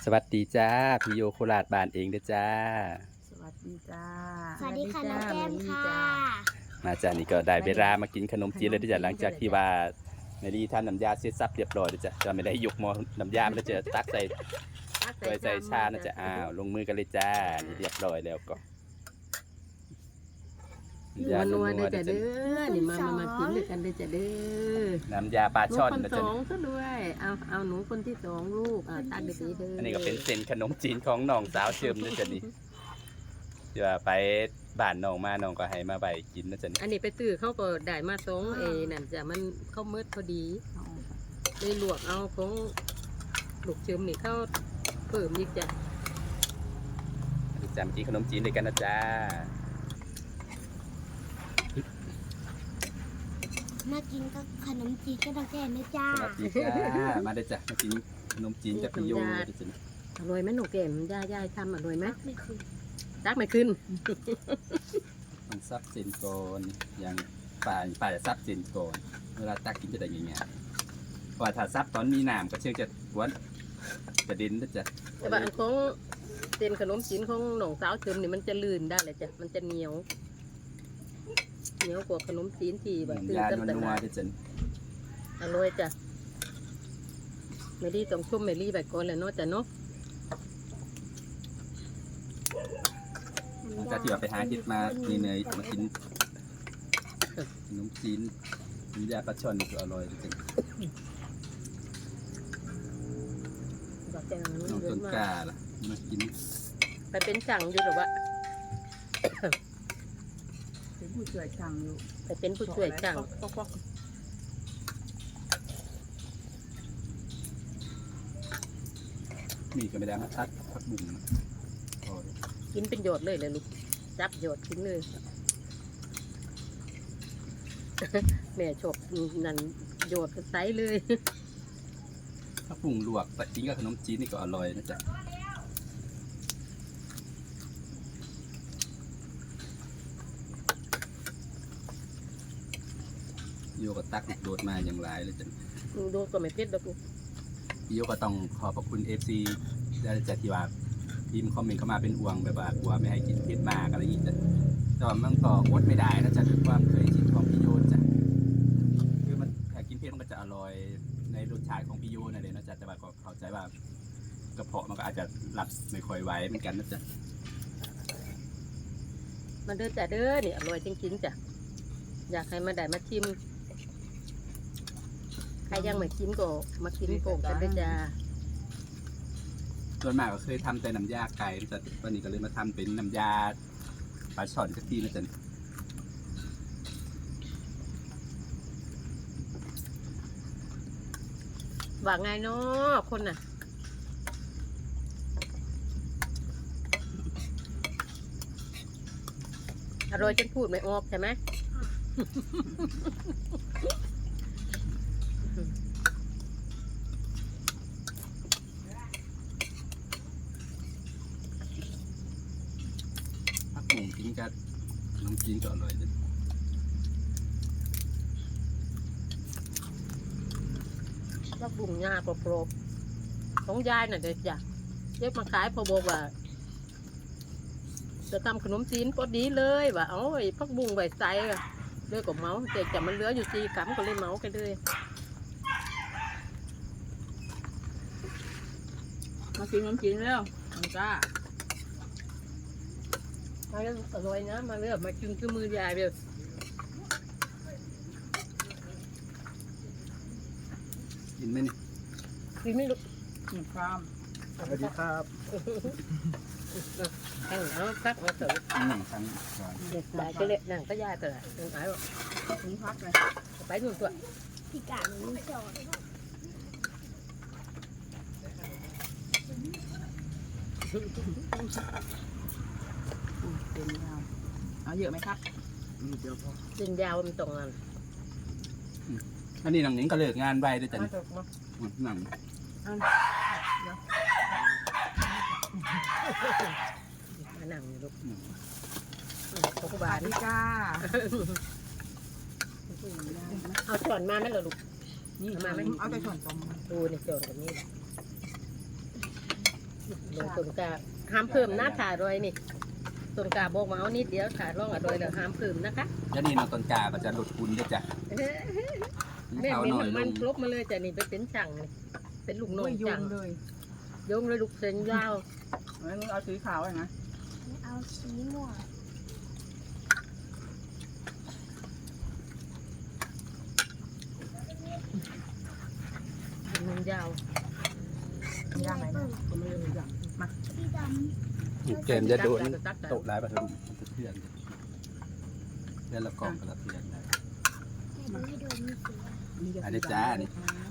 สวัสดีจ้าพี่โยโคราชบ้านเองเด้อจ้าสวัสดีจ้าสวัสดีค่ะน้องแก้มค่ะมาจ้านี่ก็ได้เวลามากินขนมจีนเลยเด้อจ้าหลังจากที่ว่าในรีทำน้ำยาเสร็จสับเรียบร้อยเด้อจ้าจะไม่ได้ยกหม้อน้ำยาไม่ได้จะตักใส่ถ้วยใส่ชานะจ้าลงมือกันเลยจ้านี่เรียบร้อยแล้วก็นัวเด้อจ้าเด้อนี่มากินด้วยกันเด้อจ้าเด้อน้ำยาปลาช่อนคนนะสจ้าองซะด้วยเอาหนูคนที่สองลูกตักเด้อเด้ออันนี้ก็เป็นเส้นขนมจีนของน้องสาวเชิมนะจ้านี่เดี๋ยวไปบ้านน้องมาน้องก็ให้มาใบกินนะจ้าอันนี้ไปตื้อเขาก็ได้มาสองนั่นจ้ะมันเข้าเมืดพอดีเลยลวกเอาของลูกเชิมนี่เข้าเพิ่มอีกจ้ะจะมากินขนมจีนด้วยกันนะจ้ามากินก็ขนมจีนก็ต้องแก้มนะจ้าสวัสดีจ้ามาได้จ้ะมากินขนมจีนกับพี่โยดิจ้ะอร่อยไหมหนูแก้มย่าทำอร่อยไหมไม่คือตักไม่ขึ้นมันซับเส้นก่อนอย่างป่าจะซับเส้นก่อนเวลาตักกินจะได้ยังไงเพราะถ้าซับตอนมีน้ำก็เชื่อจะวนจะดินนะจ๊ะแต่ว่าอันของเส้นขนมจีนของหนองสาวเชิมนี่มันจะลื่นได้เลยจ้ะมันจะเหนียวกว่าขนมจีนที่แบบยานัวๆดิจ้ะอร่อยจ้ะเมลี่ต้องชุ่มเมลี่แบบก่อนเลยเนาะจ้ะเนาะจากที่ว่าไปหาเห็ดมานี่เนยมากินขนมจีนน้ำยาปลาช่อนก็อร่อยดิจ้ะน้องต้นกล้าล่ะมากินไปเป็นสั่งอยู่หรือวะเป็นผู้ช่วยช่างอยู่ไปเป็นผู้ช่วยช่างมีก็ไม่ได้มาทัดพักบุ๋มกินเป็นโยดเลยลูกจับโยดกินเลยแม่ชอบนั่นโยดก็ใส่เลยพักบุ๋มลวกแต่กินกับขนมจีนนี่ก็อร่อยนะจ๊ะโยก็ตักโดดมาอย่างไรเลยจ้ะโดดก็ไม่เผ็ดดอกโยก็ต้องขอบพระคุณ FC ได้จากที่ว่าพิมพ์คอมเมนต์เข้ามาเป็นห่วงแบบว่ากลัวไม่ให้กินเผ็ดมากอะไรอย่างนี้จ้ะแต่ว่ามันก็อดไม่ได้นะจ๊ะด้วยความเคยชินของพี่โยจ้ะคือมันถ้ากินเผ็ดมันก็จะอร่อยในรสชาติของพี่โยนั่นเลยนะจ๊ะแต่ว่าก็เข้าใจว่ากระเพาะมันก็อาจจะรับไม่ค่อยไหวเหมือนกันนะจ๊ะมันเด้อจ้ะเด้อนี่อร่อยจริงๆจ้ะอยากให้มาได้มาชิมใครยังไม่กินก็มากินโป่งกันด้วยจ้าส่วนมากก็เคยทำแต่น้ำยาไก่แต่วันนี้ก็เลยมาทำเป็นน้ำยาปลาช่อนสักทีนะจ๊ะว่าไงเนาะคนน่ะอร่อยจนพูดไม่ออกใช่ไหมผักบุ้งกินกับขนมจีนก็อร่อยเลยว่าบุ้งงาโปรบของยายน่ะเด็กจ้ะเรียกมาขายพอบอกว่าจะทำขนมจีนก็ดีเลยว่าเอาไอ้พักบุ้งใบใส่เลือกกับเมาส์แต่มันเหลืออยู่4 กรัมก็เลยเมาส์กันเลยมากินขนมจีนแล้วมันจ้ามาเรื่องอร่อยนะมาเรื่องมากินคือมือยายเลยกินไหมนี่กินไม่รู้ครับสวัสดีครับตั้งเอาพักมาเถอะนั่งทางก่อนได้ก็เละนั่งก็ยายเถอะนั่งไอ้บอกถึงพักเลยไปดูตัวพี่การนี่จอดเป็นยาวเอาเยอะไหมครับเดี๋ยวพอเส้นยาวมันตรงนั้นอันนี้หนังนิ้งก็เลิกงานไปด้วยจ้ะหนังมานั่งลูกพกบาทนี่จ้าเอาช้อนมาไหมล่ะลูกนี่มาไหมเอาแต่ช้อนตรงดูนี่ช้อนกับนี่ลงต้นกาห้ามเพิ่มหน้าถ่ายรอยนี่ต้นกาบอกมาเอานิดเดียวถ่ายร่องอะรอยแล้วห้ามเพิ่มนะคะแล้วนี่น้องต้นกาก็จะหลุดคุณด้วยจ้ะแม่เขามีหน่อยลมันงครบมาเลยจ้ะนี่ไปเป็นช่างนี่เป็นลูกน้อโอ้งยโยช่างงเลยโยงเลยลูกเส้นยาวงั้นเอาสีขาวเลยนะเอาสีม่วงมันยาวย่างไหนนะก็ไม่รู้อย่างมาสีดเกมจะโดนตักโตะร้ายประทุมมันจะเพื่อนเพื่อนละกล่องกับละเพื่อนนะำให้ดูให้โดนมีสีอันนี้จ้านี่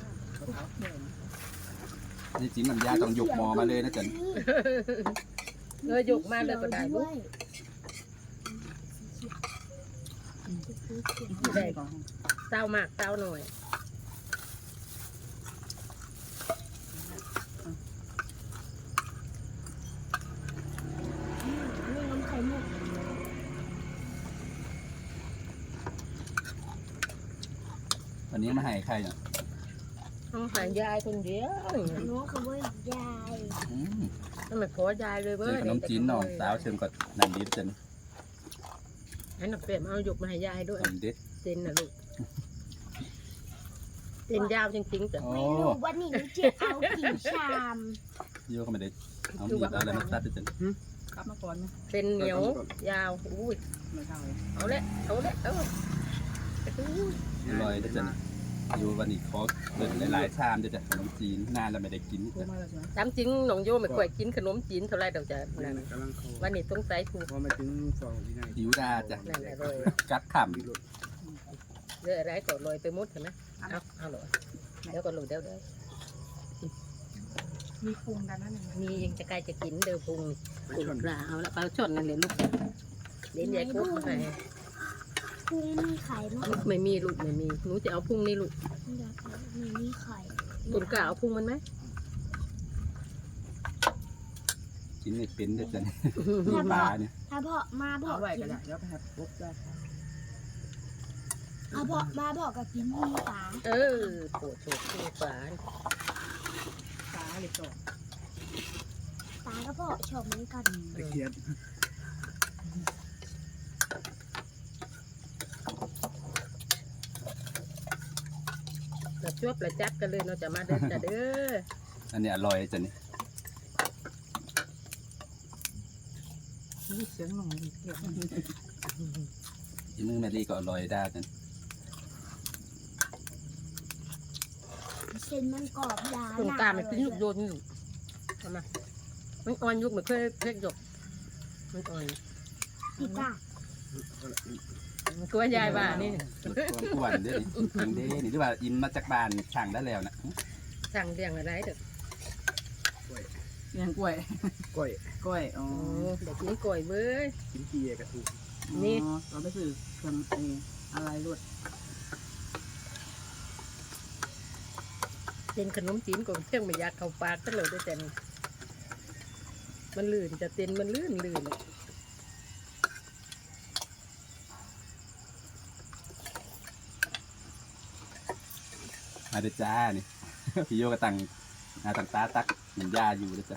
นี่จริงมันยาต้องยกหมอมาเลยนะจ๊ะเลยยกมาเลยก็ได้ลูกได้ก่อนเต้ามากเต้าหน่อยนี่น้ำไข่มุกวันนี้มาให้ใครเนี่ยต้องหายายคนเดียวน้องเขาว่ายายอืมต้องมาขอยายเลยเจเว้อย ขนมจีนน้องสาวเชิญก่อนนันดีจันให้หนักเปรียบเอายกมาให้ยายด้วยขนมเด็ดเส้นนะลูกเส้นยาวจริงๆจ้ะโอ้ไม่รู้ว่านี่จะเอากี่ชามโยก็ไม่ได้เอามีดเอาอะไรมาตัดด้วยจันกลับมาก่อนนะเส้นเหนียวยาวอุ้ยไม่เท่าเลยเอาละเอาละเอาลอยด้วยจันอยู่วันนี้ขอเดินหลายๆชามด้วยจ้ะขนมจีนนานแล้วไม่ได้กินโทรมาแล้วใช่ไหมตามจริงน้องโยไม่ค่อยกินขนมจีนเท่าไรเดี๋ยวจะนั่นกำลังเขาวันนี้ต้องใส่ถูกพอมาถึงสองวินาทีหิวดาจ้ะนั่นแหละเลยกัดขเรื่องอะไรก็ลอยไปหมดเห็นไหมเอาเลยเดี๋ยวก็ลอยเดี๋ยวมีปรุงกันนั่นเองมียังจะใกล้จะกินเดี๋ยวพุงกุปลาเอาละปลาชดนั่นเลยลูกเลี้ยงใหญ่กุ๊กมาให้พุงมีไข่มั้งไม่มีลูกไม่มีหนูจะเอาพุงนี่ลูกอยากเอามีไข่ตุนกะเอาพุงมันไหมำกินไม่เป็นด้วยจันปลาเนี่ยถ้าเพาะมาเพาะเอาไว้กิก็นได้เดี๋ยวไปครับปุ๊บได้ครับเอาเพาะมาเพาะกับกินมีปลาเออปวดโฉกที่ฝาตาเลยต่อปลาก็เพาะชอบเหมือนกันตะเคียนแบบชวบประจัดกันเลยเราจะมาเด้อจ้ะเด้ออันนี้อร่อยจันนี่นี่เสียงหนุ่มเกี่ยวอีมือแมรี่ก็อร่อยได้จันเส้นมันกรอบยาตุนกะมันเป็นลูกโยนอยู่ทำไมมันอ่อนยุกมันเคยเพกหยกมันอ่อนพี่ตามันกลัวยายว่านี่กวนๆเด้อนี่จริงเด้นี่ที่ว่าอินมาจากบ้านช่างได้แล้วนะสั่งเรียงอะไรเด้อเสียงกล้วยก้อยกล้วยอ๋อโอ้เด็กนี่ก่อยเว้ยกินเกียกระถูกนี่เราไปซื้อเครื่องอะไรรวดเป็นขนมจีนของเที่ยงไม่อยากเข้าปากก็เลยด้วยแต่นี่มันลื่นจะเต้นมันลื่นมาเด้อจ้านี่ พี่โยก็ตั้งหน้าตั้งตาตักเหมือนยาอยู่เลยจ้ะ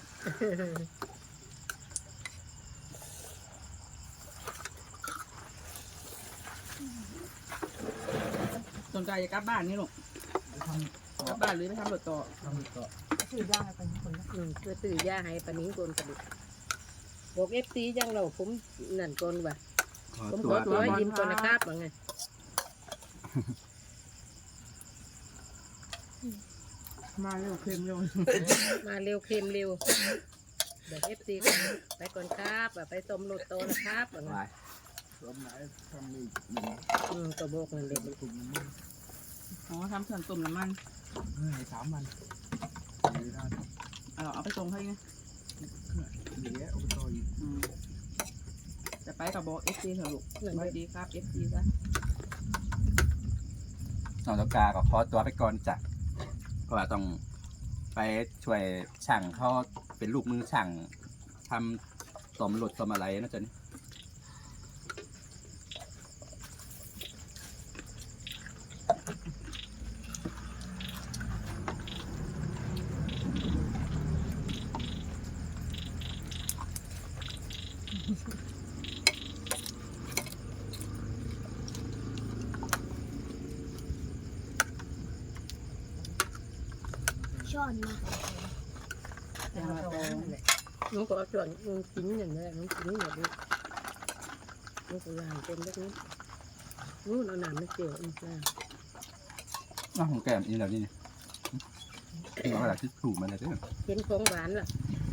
สนใจจะกลับบ้านนี่ลูกกลับบ้านหรือไปทำรถต่อทำต่อซื้อย่างไปคนละเพื่อตื่นยาให้ปานิ้งโกนกระดูกบอกเอฟซียังเราผมนั่นก่อนว่ะขอผมตัขวอตัวให้ยิ้มก่อนนะครับว่าไงมาเร็วเค็มเร็วมาเร็วเค็มเร็วบอกเอฟซีไปก่อนครับไปต้มโลดโตนะครับว่าไงวายรอบไหนทำนี่หนึ่งตัวโบกนั่นเด็กตุ่มน้ำมันอ๋อทำเครื่องต้มน้ำมันให้3 วันหรือได้เอาไปส่งให้ไงเหลือเอาไปต่ออีกจะไปกับบอกเอฟซีเถอะลูกสวัสดีครับเอฟซีจ้ะน้องตะกาก็ขอตัวไปก่อนจ้ะเพราะว่าต้องไปช่วยช่างเขาเป็นลูกมือช่างทำต้มรถต้มอะไรนะจ๊ะนี่ช้อนมาแต่ว่าแต่น้องก็เอาส่วนน้องกินอย่างนี้น้องกินอย่างนี้น้องก็ล้างเป็นแบบนี้นู่นเอาน้ำไม่เกี่ยวอีกแล้วน้องของแก้มอีแล้วนี่เอากระดาษที่ถูกมาเลยเด้อเห็นของหวานล่ะ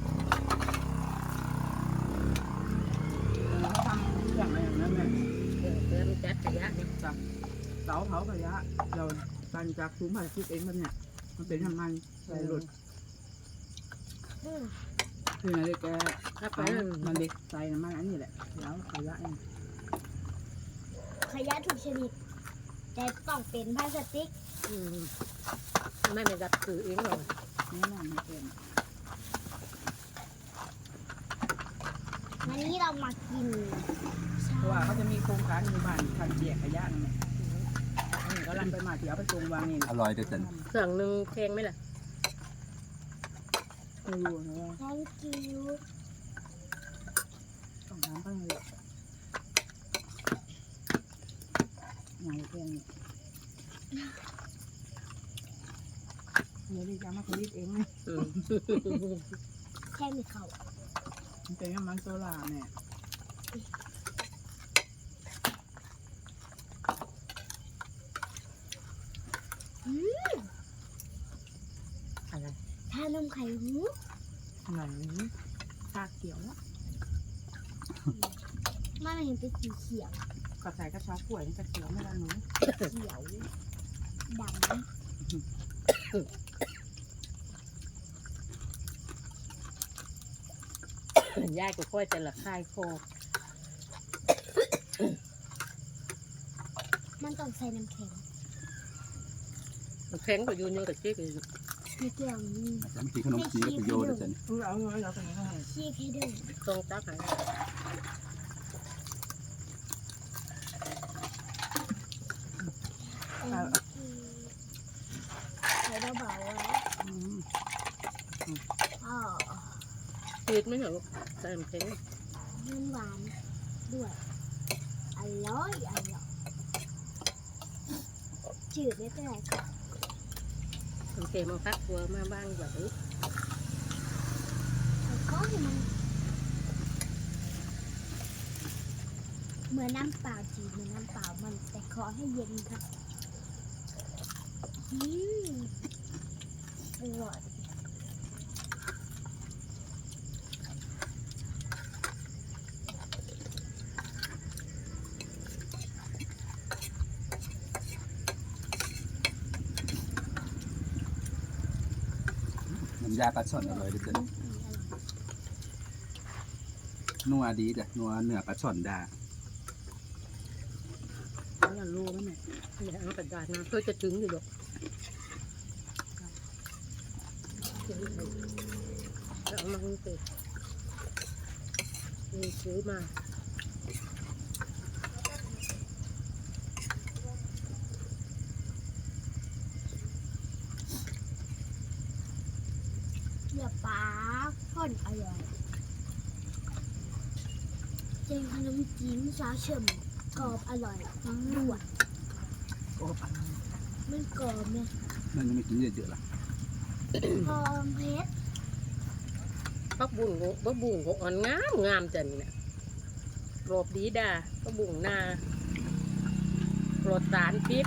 เราทำเครื่องอะไรอย่างนั้นแม่เพื่อมันจัดขยะนี่เสาเผาขยะเราการจากถุงพลาสติกเองมันเนี่ยมันเป็นน้ำมันใส่รถอืมคืออะไรแกถ้าไปมันเด็กใส่น้ำมันอันนี้แหละแล้วขยะเองขยะทุกชนิดแต่ต้องเป็นพลาสติกไม่ได้รับสื่อเองหรอกแน่นอนไม่เป็นวันนี้เรามากินเพราะว่าเขาจะมีโครงการหมู่บ้านทางแยกขยะนั่นแหละก็ลังไปมาที่เอาไปส่งวางนี่อร่อยเด้อจันเครื่องหนึ่งแพงไหมล่ะไม่รู้นะว่า thank you ต้องถามเพิ่งเลยงานเพื่อนเนี่ยเดี๋ยวดิจะมาผลิตเองนะแค่มีเขามันเป็นน้ำมันโซล่าเนี่ยอะไรทานมไข่มุกไหนชาเขียวอะมันเห็นเป็นสีเขียวกระใส่กระชากล้วยนี่จะเขียวไม่ละหนูเขียวดำยายก็ค่อยจะละคายคอมันต้องใส่น้ำแข็งแข็งก็อยู่นี่กับเจ๊ก็อยู่ไม่เกี่ยวนี่จันกินขนมจีนกับโยเด้อจันเอาเงินเราไปไหนก็ให้ขี้แค่เดินตรงตักหาใส่เบาๆไว้อ๋อจืดไหมเหรอลูกใส่น้ำแข็งมันหวานด้วยอร่อยอร่อยจืดไม่เป็นไรค่ะน้ำแข็งมาพักตัวมาบ้างกว่านี้แต่ก็ให้มันเหมือนน้ำเปล่าจีเหมือนน้ำเปล่ามันแต่ขอให้เย็นค่ะอืมอร่อยน้ำยาปลาช่อนอร่อยเด้อจันนัวดีจ้ะนัวเนื้อปลาช่อนดาแล้วเรารู้แล้วเนี่ยอย่าเอากระดาษมาเพื่อจะถึงอยู่หรอกเอามาให้เสร็จนี่ซื้อมาเนื้อปลาพ่นอร่อยเจงขนมจีนซอสเฉิมกรอบอร่อยด้วยโอ้ปังมันกรอบเนี่ยมันยังไม่กินเยอะๆล่ะหอมเพชรปักบุ้งก็อ่อนงามงามจังเนี่ยกรอบดีดาปักบุ้งนาปลอดสารพิษ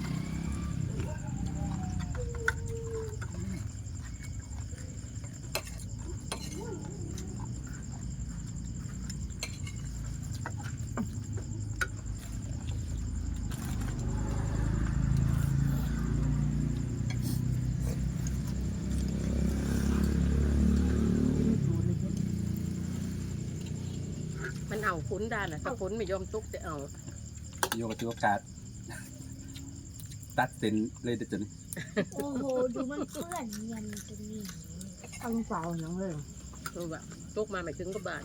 มันเอาคุ้นได้นะถ้าคุ้นไม่ยอมตุกจะเอาโยกับตัวกาดตัดเส้นเลยเด้อจันโอ้โห ดูมันเปื้อนเงินตรงนี้ตั้งเปล่าอย่างเลยตัวแบบตุกมาไม่ถึงก็บาน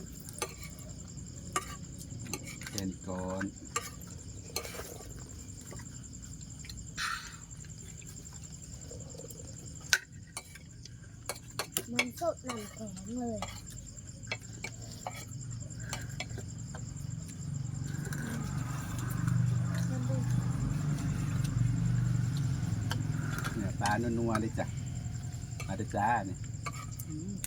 แค่นี้ก่อนมันสดน้ำแข็งเลยนัวๆเลยจ้ะมาเด้อจ้าเนี่ยอืม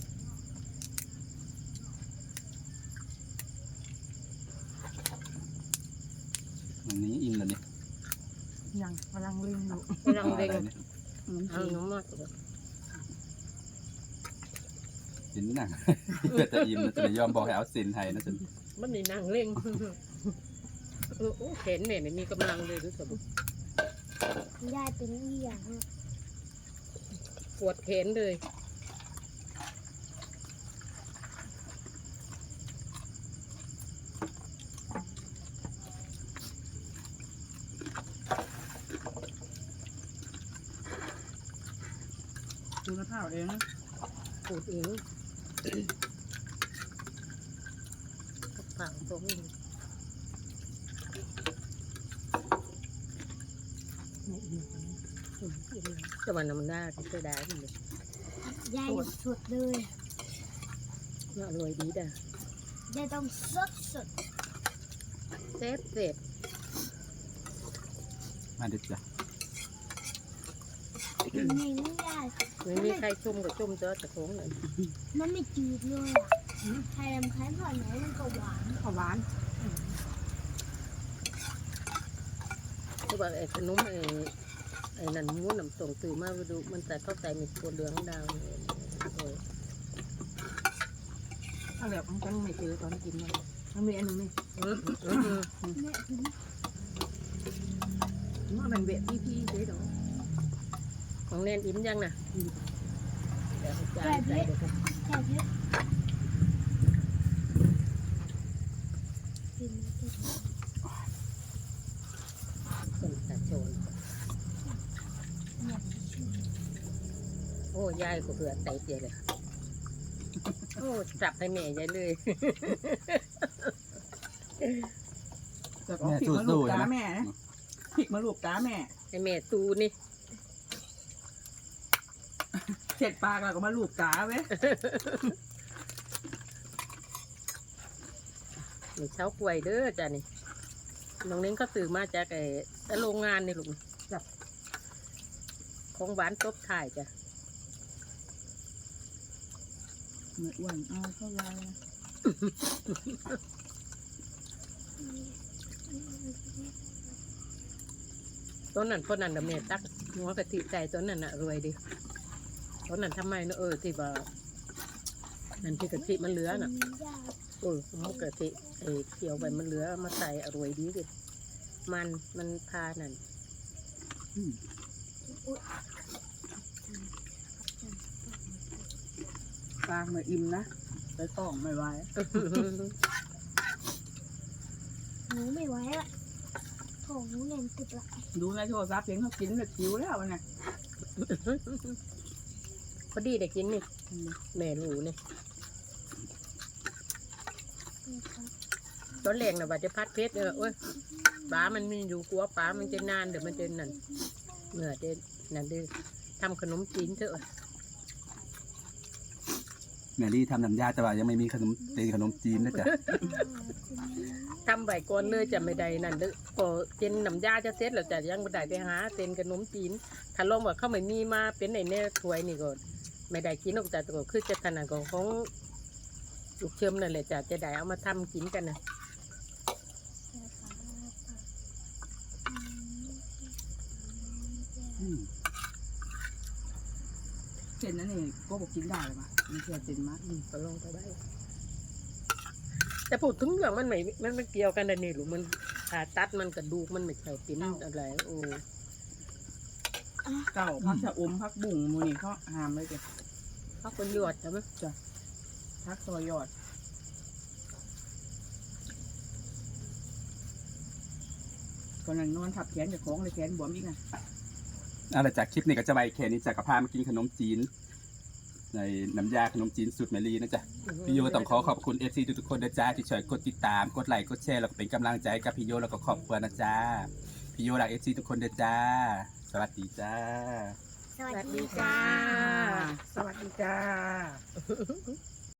วันนี้อิ่มแล้วเนี่ยยังกำลังเล่นอยู่กำลังเร่งอะไรเนี่ยเอาน้ำมากกินหนัง เพื่อจะอิ่มนะจะยอมบอกให้เอาสินให้นะจ๊ะมันนี่นั่งเร่งโอ้เข็นเนี่ยมีกำลังเลยรู้สึกยายเป็นอีหยังปวดแขนเลยดูกระเพราเองนะปวดเองกระเป๋าตรงนี้ไม่อิ่มแต่วันนั้นมันน่าจะได้เลยยายสุดเลยน่าอร่อยดีด่ะยายต้องสดสดเซ็ตเสร็จมาเด้อจ้ะนี่ไม่ยายไม่มีใครชุ่มกับชุ่มเจอแต่ของเลยมันไม่จืดเลยอ่ะใครทำคล้ายผ่อนไหนมันก็หวานข้าวหวานที่บอกไอ้ขนมไอ้นั่นม้วนน้ำส่งตื่นมาไปดูมันแต่เข้าใจมีตัวเหลืองดาวเออถ้าแบบมันก็ไม่เจอตอนกินมันมีอันนึงนี่แม่กินมันเป็นเบะพี่ๆเจ๊ดอกของเนนอิ่มยังน่ะเดี๋ยวจานแก่เพใส่ชรเดี๋ยวกันแก่เพชรกินไม่ได้เป็นตาโจนเนี่ยโอ้ยายก็เผื่อไตเจียเลยโอ้จับให้แม่ยายเลยแต่ก็ผิดมาลูกตาแม่นะผิดมาลูกตาแม่ให้แม่ตูนี่เสร็จปากแล้วก็มาลูกตาเว้ยมีเช้ากล้วยเด้อจ้ะนี่น้องเล้งก็ซื้อมาจากไอ้โรงงานนี่ลูกจับของหวานตบถ่ายจ้ะเหมือนอ้วนเอาเข้าไรต้นนั้นต้นนั้นเดี๋ยวแม่ตักหัวกะทิใส่ต้นนั้นน่ะรวยดิต้นนั้นทำไมเนอะที่ว่านั่นที่กะทิมันเหลือน่ะยายหัวกะทิเคี่ยวไปมันเหลือมาใส่อร่อยดีดิมันพานั่นกลางมาอิ่มนะไปต้องไม่ไหวหนูไม่ไหวละท้องหนูแน่นตึกละดูในโทรศัพท์เห็นเขากินแบบหิวแล้วนะพอดีได้กินนี่แม่รู้นี่ตอนแรกน่ะว่าจะพัดเพชรโอ้ยปลามันมีอยู่กลัวปลามันจะนานเดี๋ยวมันจะนั่นเมื่อจะนั่นเด้อทำขนมจีนเถอะแมรี่ทำน้ำยาแต่ว่ายังไม่มีขนมจีนนะจ๊ะทำใบก่อนเลยจะไม่ได้นั่นเด้อพอเจนน้ำยาจะเสร็จแล้วจะยังไม่ได้ไปหาเต็นขนมจีนถ้าลองว่าเขาไม่มีมาเป็นในเนี่ยถ้วยนี่ก็ไม่ได้กินออกจากตัวคือจะถนัดของลูกเชื่อมนั่นแหละจะได้เอามาทำกินกันนะเส้นนั้นนี่ก็บอกกินได้เลยป่ะมันแค่เส้นมากก็ลองไปได้แต่พูดถึงเรื่องมันไม่เกี่ยวกันนะนี่หรือมันผ่าตัดมันกระดูกมันไม่ใช่เป็นอะไรโอ้เก่าพักชะอมพักบุ่งมูนี่เขาหามเลยจ้ะพักเป็นยอดใช่ไหมพักซอยยอดก่อนนั้นนอนทับแขนจากของเลยแขนบวมอีกนะเอาล่ะจากคลิปนี้ก็จะไปแค่นี้จะกับพามากินขนมจีนในน้ำยาขนมจีนสูตรแมรี่นะจ๊ะพี่โยต้องขอบคุณ FC ทุกๆคนนะจ๊ะที่ช่วยกดติดตามกดไลค์กดแชร์แล้วก็เป็นกำลังใจกับพี่โยแล้วก็ครอบครัวนะจ๊ะพี่โยรัก FC ทุกคนนะจ๊ะสวัสดีจ้าสวัสดีจ้าสวัสดีจ้า